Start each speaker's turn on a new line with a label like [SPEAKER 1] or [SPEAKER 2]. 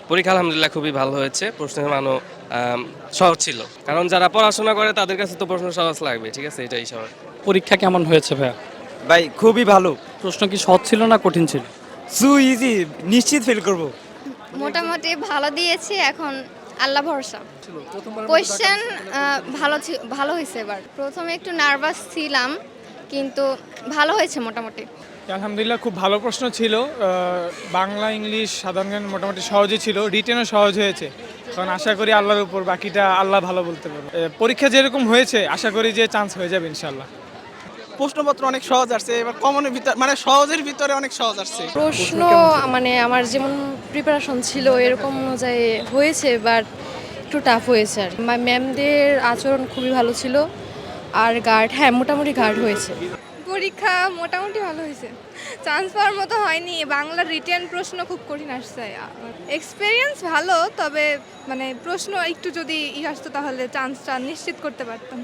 [SPEAKER 1] পরীক্ষা আলহামদুলিল্লাহ খুবই ভালো হয়েছে। প্রশ্নের মানও সহজ ছিল। কারণ যারা পড়াশোনা করে তাদের কাছে তো প্রশ্ন সহজ লাগবে। ঠিক আছে? এটাই স্বাভাবিক।
[SPEAKER 2] পরীক্ষা কেমন হয়েছে ভাইয়া?
[SPEAKER 3] ভাই খুবই ভালো।
[SPEAKER 2] প্রশ্ন কি সহজ ছিল না কঠিন ছিল?
[SPEAKER 3] সু ইজি, নিশ্চিত ফেল করব।
[SPEAKER 4] মোটামুটি ভালো দিয়েছি, এখন আল্লাহ ভরসা। কোয়েশ্চেন ভালো হয়েছে এবার। প্রথমে একটু নার্ভাস ছিলাম, কিন্তু ভালো হয়েছে মোটামুটি।
[SPEAKER 5] আলহামদুলিল্লাহ খুব ভালো প্রশ্ন ছিল। বাংলা ইংলিশ সাধারণ জ্ঞান মোটামুটি সহজই ছিল, রিটেনও সহজ হয়েছে। কারণ আশা করি আল্লাহর উপর, বাকিটা আল্লাহ ভালো বলতে পারবে। পরীক্ষা যেরকম হয়েছে আশা করি যে চান্স হয়ে যাবে ইনশাল্লাহ।
[SPEAKER 6] প্রশ্নপত্র অনেক সহজ আসছে, এবার কমনের ভিতর মানে সহজের ভিতরে অনেক সহজ আসছে।
[SPEAKER 7] প্রশ্ন মানে আমার যেমন প্রিপারেশন ছিল এরকম অনুযায়ী হয়েছে, বাট একটু টাফ হয়েছে। আর ম্যামদের আচরণ খুবই ভালো ছিল, আর গার্ড মোটামুটি গার্ড হয়েছে।
[SPEAKER 8] পরীক্ষা মোটামুটি ভালো হয়েছে, চান্স পাওয়ার মতো হয়নি। বাংলার রিটেন প্রশ্ন খুব কঠিন আসছে। এক্সপিরিয়েন্স ভালো, তবে মানে প্রশ্ন একটু যদি আসতো তাহলে চান্সটা নিশ্চিত করতে পারতাম।